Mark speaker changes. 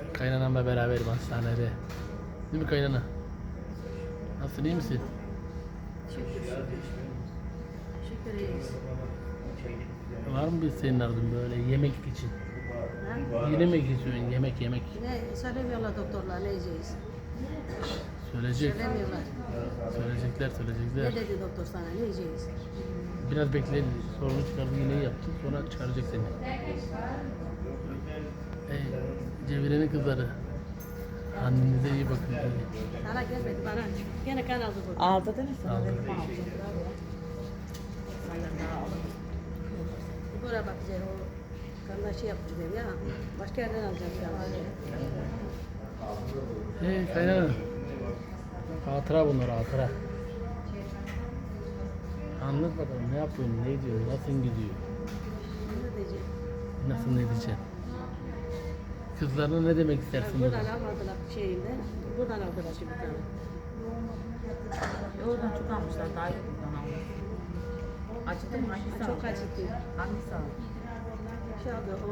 Speaker 1: Kaynanamla beraberim hastanede. Değil mi kaynana? Nasılsın, iyi misin?
Speaker 2: Şükür şükür. Şükür iyiyiz.
Speaker 1: Var mı bir senin ardın böyle yemek için?
Speaker 2: Ha?
Speaker 1: Yine mi geçiyorsun? Yemek.
Speaker 2: Ne söylemiyorlar doktorlar ne yiyeceğiz?
Speaker 1: Söyleyecek.
Speaker 2: Söylemiyorlar.
Speaker 1: Söyleyecekler.
Speaker 2: Ne dedi doktor sana ne yiyeceğiz?
Speaker 1: Biraz bekleyin. Sorunu çıkardı, yine yaptı. Sonra çıkaracak seni. Cevriye'nin kızları. Annenize iyi bakın.
Speaker 2: Sana gelmedi bana. Gene kan aldı bu.
Speaker 3: Aldı değil mi sana?
Speaker 1: Aldı.
Speaker 3: Dedim aldı. Senden daha aldı.
Speaker 2: Buraya bakacağız o kanla şey yapacağız ya. Başka yerden alacağız ya.
Speaker 1: Kaynana. Hatıra bunlar, hatıra. Anlat bakalım, ne yapıyorsun, ne ediyorsun, nasıl gidiyor,
Speaker 2: Ne diyeceğim?
Speaker 1: nasıl ne diyeceksin? Kızlarına ne demek istersin
Speaker 2: Buradan
Speaker 1: burada?
Speaker 2: almadılar şeyinde. Buradan aldılar şimdi bir tane.
Speaker 3: Oradan çok almışlar. Daha iyi buradan almış. Acıdı mı? Hangisi
Speaker 2: Çok
Speaker 3: aldı?
Speaker 2: acıttı.
Speaker 3: Hangisi aldı?
Speaker 2: Şey aldı o